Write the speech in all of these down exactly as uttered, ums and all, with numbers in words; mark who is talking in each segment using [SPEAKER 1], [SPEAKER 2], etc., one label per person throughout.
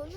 [SPEAKER 1] এখনো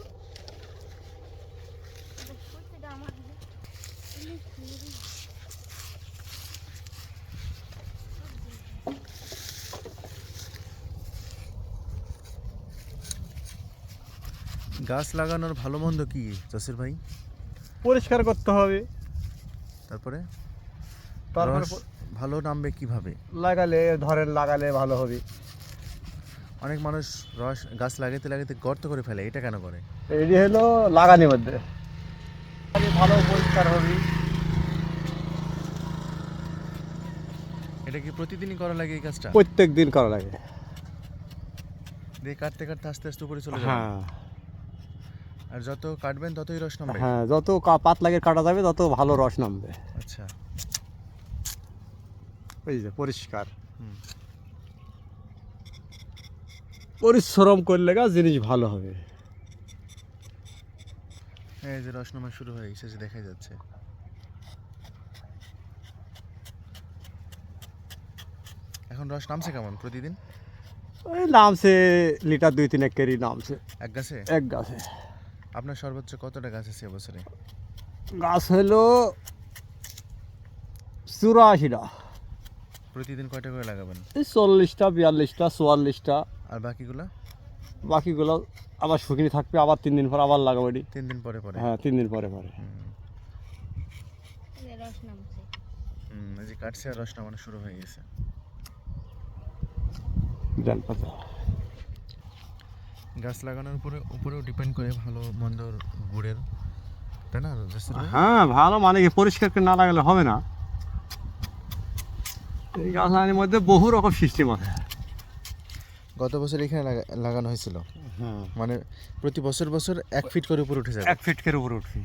[SPEAKER 2] গাছ লাগানোর ভালো মন্দ কি জসির ভাই?
[SPEAKER 3] পরিষ্কার করতে হবে,
[SPEAKER 2] তারপরে
[SPEAKER 3] তারপরে
[SPEAKER 2] রস ভালো নামবে কিভাবে?
[SPEAKER 3] লাগালে ধরেন লাগালে ভালো হবে।
[SPEAKER 2] অনেক মানুষ রস গাছ লাগাতে লাগাতে গর্ত করে ফেলে, এটা কেন করে?
[SPEAKER 3] এটি হলো লাগানোর মধ্যে ভালো পরিষ্কার হবে।
[SPEAKER 2] এটা কি প্রতিদিনই করা লাগে এই কাজটা?
[SPEAKER 3] প্রত্যেক দিন করা লাগে।
[SPEAKER 2] দিয়ে কাটতে কাটতে আস্তে আস্তে উপরে চলে যাবে।
[SPEAKER 3] হ্যাঁ
[SPEAKER 2] আর যত কাটবেন ততই রস নামবে।
[SPEAKER 3] হ্যাঁ, যত কা- পাতলাকে কাটা যাবে তত ভালো রস নামবে।
[SPEAKER 2] আচ্ছা,
[SPEAKER 3] এই যে পরিষ্কার
[SPEAKER 2] হুম।
[SPEAKER 3] পরিশ্রম করলে গা জিনিস ভালো হবে।
[SPEAKER 2] এই যে রস নামা শুরু হয়ে গেছে, যে দেখা যাচ্ছে। এখন রস নামছে কেমন প্রতিদিন?
[SPEAKER 3] ওই নামছে লিটার দুই তিন এক কেরি নামছে
[SPEAKER 2] এক গাছে?
[SPEAKER 3] এক গাছে।
[SPEAKER 2] আপনার সর্বোচ্চ কতটা গাছ আছে এবছরে?
[SPEAKER 3] গাছ হলো চুরাশিটা।
[SPEAKER 2] প্রতিদিন কয়টা করে লাগাবেন?
[SPEAKER 3] এই চল্লিশটা বিয়াল্লিশটা চুয়াল্লিশটা।
[SPEAKER 2] আর বাকিগুলো?
[SPEAKER 3] বাকিগুলো আবার শুকিয়ে থাকবে, আবার তিন দিন পর আবার লাগাবো এটি।
[SPEAKER 2] তিন দিন পরে পরে?
[SPEAKER 3] হ্যাঁ, তিন দিন পরে পরে।
[SPEAKER 2] হুম।
[SPEAKER 1] রস নামছে।
[SPEAKER 2] হুম, এই যে কাটছে আর রস নামানো শুরু হয়ে গেছে।
[SPEAKER 3] ডাল পাতা
[SPEAKER 2] গাছ লাগানোর উপরে উপরেও ডিপেন্ড করে ভালো মন্দ গুড়ের, তাই না জসির ভাই?
[SPEAKER 3] হ্যাঁ, ভালো মানে কি পরিষ্কার করে না লাগালে হবে না। এই গাছ লাগানোর মধ্যে বহু রকম সিস্টেম আছে।
[SPEAKER 2] গত বছর এখানে লাগা- লাগানো হয়েছিল,
[SPEAKER 3] হ্যাঁ,
[SPEAKER 2] মানে প্রতি বছর বছর এক ফিট করে উপরে উঠে যাবে।
[SPEAKER 3] এক ফিটকের উপরে উঠবি।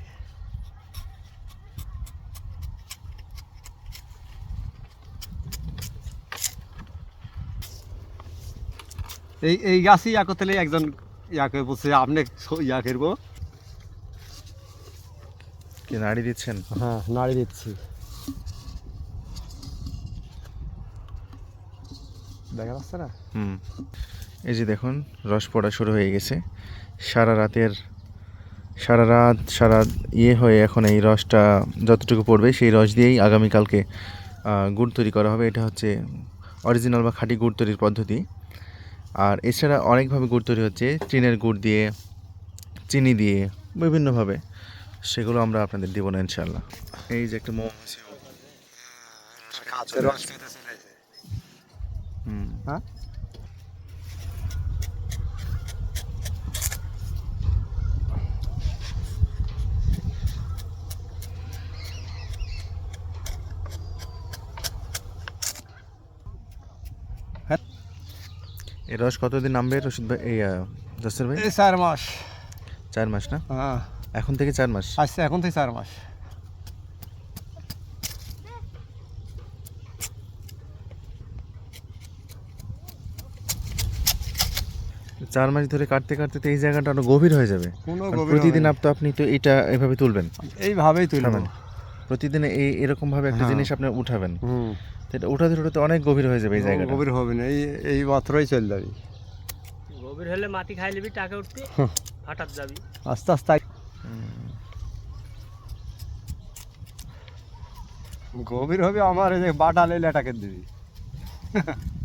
[SPEAKER 3] এই এই গাছই ইয়া করতে হলে একজন ইয়াকে বলছে আপনি স- ইয়া করবো।
[SPEAKER 2] কি নাড়ি দিচ্ছেন?
[SPEAKER 3] হ্যাঁ, নাড়ি দিচ্ছি, দেখা যাচ্ছে না?
[SPEAKER 2] হুম, এই যে দেখুন রস পড়া শুরু হয়ে গেছে। সারা রাতের সারা রাত সারা ইয়ে হয়ে এখন এই রসটা যতটুকু পড়বে সেই রস দিয়েই আগামীকালকে আহ, গুড় তৈরি করা হবে। এটা হচ্ছে অরিজিনাল বা খাঁটি গুড় তৈরির পদ্ধতি। আর এছাড়া অনেকভাবে গুড় তৈরি হচ্ছে, চিনের গুড় দিয়ে, চিনি দিয়ে, বিভিন্নভাবে। সেগুলো আমরা আপনাদের দেবো না ইনশাল্লাহ। এই যে একটা মোম হয়েছে। হুম,
[SPEAKER 3] হ্যাঁ,
[SPEAKER 2] এই রস কতদিন নামবে রশিদ ভাই, এই আহ, জসির ভাই?
[SPEAKER 3] এই চার মাস।
[SPEAKER 2] চার মাস না?
[SPEAKER 3] হ্যাঁ,
[SPEAKER 2] এখন থেকে চার মাস।
[SPEAKER 3] আসছে এখন থেকে চার মাস।
[SPEAKER 2] চার মাস ধরে কাটতে কাটতে তো এই জায়গাটা আরো গভীর হয়ে যাবে।
[SPEAKER 3] কোনো
[SPEAKER 2] কারণ
[SPEAKER 3] গভীর
[SPEAKER 2] প্রতিদিন
[SPEAKER 3] হবে না।
[SPEAKER 2] আপ তো আপনি তো এটা এভাবে তুলবেন,
[SPEAKER 3] এইভাবেই তুলবো।
[SPEAKER 2] মানে প্রতিদিন এই এরকম ভাবে একটা
[SPEAKER 3] হ্যাঁ।
[SPEAKER 2] জিনিস আপনি উঠাবেন,
[SPEAKER 3] হুম,
[SPEAKER 2] তো এটা উঠাতে উঠাতে অনেক গভীর হয়ে যাবে এই জায়গাটা।
[SPEAKER 3] গভীর হবে না, এই এই মাত্রই চল যাবি।
[SPEAKER 4] গভীর হলে মাটি খাই লিবি, টাকে উঠতে ফাটাত যাবি।
[SPEAKER 3] আস্তে আস্তে
[SPEAKER 2] হুম,
[SPEAKER 3] গভীর হবে। আমার এই যে বাটালে এটাকে দিবি।